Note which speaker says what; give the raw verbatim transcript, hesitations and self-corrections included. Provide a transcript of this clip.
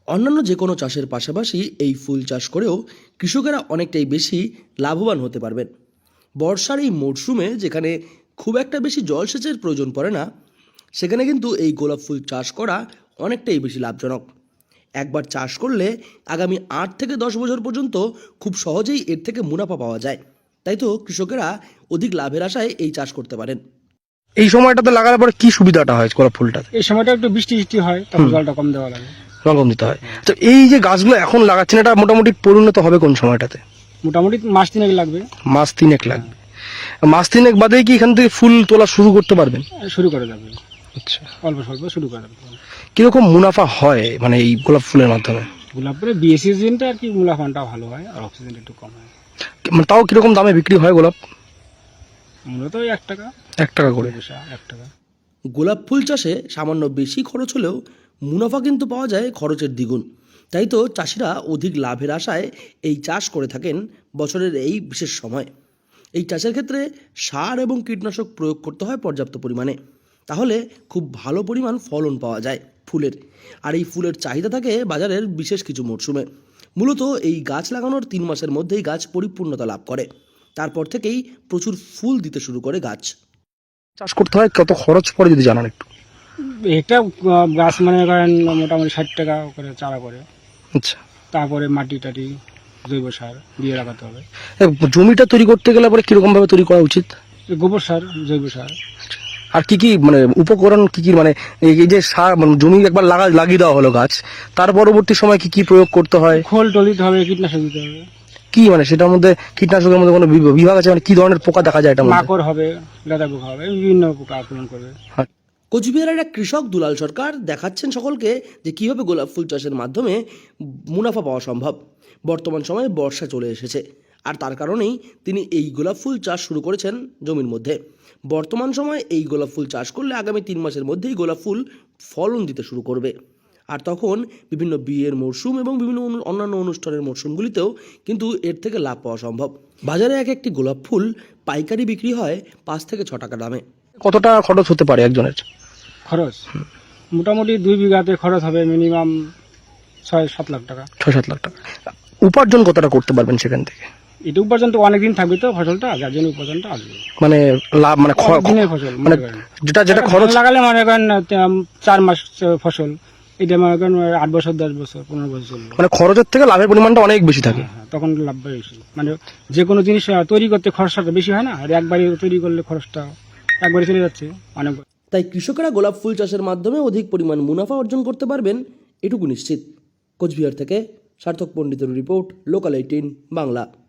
Speaker 1: অন্যান্য যে কোনো চাষের পাশাপাশি এই ফুল চাষ করেও কৃষকেরা অনেকটাই বেশি লাভবান হতে পারবেন। বর্ষার এই মরশুমে যেখানে খুব একটা বেশি জলসেচের প্রয়োজন পড়ে না, সেখানে কিন্তু এই গোলাপ ফুল চাষ করা অনেকটাই বেশি লাভজনক। একবার চাষ করলে আগামী আট থেকে দশ বছর পর্যন্ত খুব সহজেই এর থেকে মুনাফা পাওয়া যায়। তাই তো কৃষকেরা অধিক লাভের আশায় এই চাষ করতে পারেন।
Speaker 2: এই সময়টাতে লাগানোর পরে কি সুবিধাটা হয় গোলাপ ফুলটাতে?
Speaker 3: এই সময়টা একটু বৃষ্টি বৃষ্টি হয়, তখন জলটা কম দেওয়া লাগে,
Speaker 2: রকম দিতে হয়। তো এই যে গাছগুলো এখন লাগাচ্ছেন, এটা মোটামুটি পরিণত হবে কোন সময়টাতে?
Speaker 3: মোটামুটি মাস তিনেক লাগবে।
Speaker 2: মাস তিনেক লাগবে। মাস তিনেক বাদে কি এখান থেকে ফুল তোলা শুরু করতে পারবেন?
Speaker 3: শুরু করে যাবে,
Speaker 2: আচ্ছা,
Speaker 3: অল্প স্বল্প শুরু করে যাবে।
Speaker 2: কিরকম মুনাফা হয় মানে এই গোলাপ ফুলের মাধ্যমে?
Speaker 3: গোলাপের বিয়ে সিজনটা আর কি মুনাফাটা ভালো হয়, আর অক্সিজেনটা একটু কম হয়।
Speaker 2: মানে তাও কিরকম দামে বিক্রি হয় গোলাপ?
Speaker 3: মূলত ওই এক টাকা
Speaker 2: এক টাকা করে।
Speaker 3: পয়সা, এক টাকা।
Speaker 1: গোলাপ ফুল চাষে সামান্য বেশি খরচ হলেও মুনাফা কিন্তু পাওয়া যায় খরচের দ্বিগুণ। তাই তো চাষিরা অধিক লাভের আশায় এই চাষ করে থাকেন বছরের এই বিশেষ সময়। এই চাষের ক্ষেত্রে সার এবং কীটনাশক প্রয়োগ করতে হয় পর্যাপ্ত পরিমাণে, তাহলে খুব ভালো পরিমাণ ফলন পাওয়া যায় ফুলের। আর এই ফুলের চাহিদা থাকে বাজারের বিশেষ কিছু মরশুমে। মূলত এই গাছ লাগানোর তিন মাসের মধ্যেই গাছ পরিপূর্ণতা লাভ করে, তারপর থেকেই প্রচুর ফুল দিতে শুরু করে গাছ।
Speaker 2: চাষ করতে হয় কত খরচ পড়ে যদি জানান একটু?
Speaker 3: একটা আহ, গাছ মানে করেন মোটামুটি ষাট টাকা করে চারা করে।
Speaker 2: আচ্ছা,
Speaker 3: তারপরে মাটি টাটি জৈব সার দিয়ে লাগাতে হবে।
Speaker 2: এ, জমিটা তৈরি করতে গেলে পরে কিরকম ভাবে তৈরি করা উচিত?
Speaker 3: গোবর সার, জৈব সার।
Speaker 2: আর কি কি মানে উপকরণ কি কি মানে এই এই যে সার মানে জমি একবার লাগা লাগিয়ে দেওয়া হলো গাছ, তার পরবর্তী সময় কি কি প্রয়োগ করতে হয়?
Speaker 3: খোল টোল দিতে হবে, কীটনাশক দিতে হবে।
Speaker 2: কি মানে সেটার মধ্যে কীটনাশকের মধ্যে কোনো বিভ- বিভাগ আছে? মানে কি ধরনের পোকা দেখা যায় এটার মধ্যে?
Speaker 3: মাকড় হবে, লেদা পোকা হবে, বিভিন্ন পোকা আক্রমণ করবে।
Speaker 1: কোচবিহারের এক কৃষক দুলাল সরকার দেখাচ্ছেন সকলকে যে কীভাবে গোলাপ ফুল চাষের মাধ্যমে মুনাফা পাওয়া সম্ভব। বর্তমান সময়ে বর্ষা চলে এসেছে, আর তার কারণেই তিনি এই গোলাপ ফুল চাষ শুরু করেছেন জমির মধ্যে। বর্তমান সময়ে এই গোলাপ ফুল চাষ করলে আগামী তিন মাসের মধ্যেই গোলাপ ফুল ফলন দিতে শুরু করবে। আর তখন বিভিন্ন বিয়ের মরশুম এবং বিভিন্ন অনু- অন্যান্য অনুষ্ঠানের মরশুমগুলিতেও কিন্তু এর থেকে লাভ পাওয়া সম্ভব। বাজারে এক একটি গোলাপ ফুল পাইকারি বিক্রি হয় পাঁচ থেকে ছ টাকা দামে।
Speaker 2: কত টাকা খরচ হতে পারে একজনের?
Speaker 3: খরচ মোটামুটি দুই বিঘাতে খরচ হবে মিনিমাম ছয় সাত লাখ টাকা।
Speaker 2: ছয় সাত লাখ টাকা। উপার্জন কতটা করতে পারবেন সেখান থেকে?
Speaker 3: এটা উপার্জন তো অনেকদিন থাকবে, তো ফসলটা যার জন্য উপার্জনটা আসবে।
Speaker 2: মানে লাভ মানে খ-
Speaker 3: অনেক দিনের ফসল
Speaker 2: মানে
Speaker 3: মনে করেন।
Speaker 2: যেটা যেটা
Speaker 3: একটা
Speaker 2: খরচ
Speaker 3: ধান লাগালে মনে করেন আহ, চার মাস আহ, ফসল, এটা মনে করেন আট বছর দশ বছর পনেরো বছর চলবে।
Speaker 2: মানে খরচের থেকে লাভের পরিমাণটা অনেক বেশি থাকে।
Speaker 3: হ্যাঁ, তখন লাভ বেশি। মানে যে কোনো জিনিস আহ, তৈরি করতে খরচটা বেশি হয় না, আর একবারই তৈরি করলে খরচটা একবারই চলে যাচ্ছে অনেক।
Speaker 1: তাই কৃষকেরা গোলাপ ফুল চাষের মাধ্যমে অধিক পরিমাণ মুনাফা অর্জন করতে পারবেন, এটুকু নিশ্চিত। কোচবিহার থেকে সার্থক পণ্ডিতের রিপোর্ট, লোকাল এইটিন বাংলা।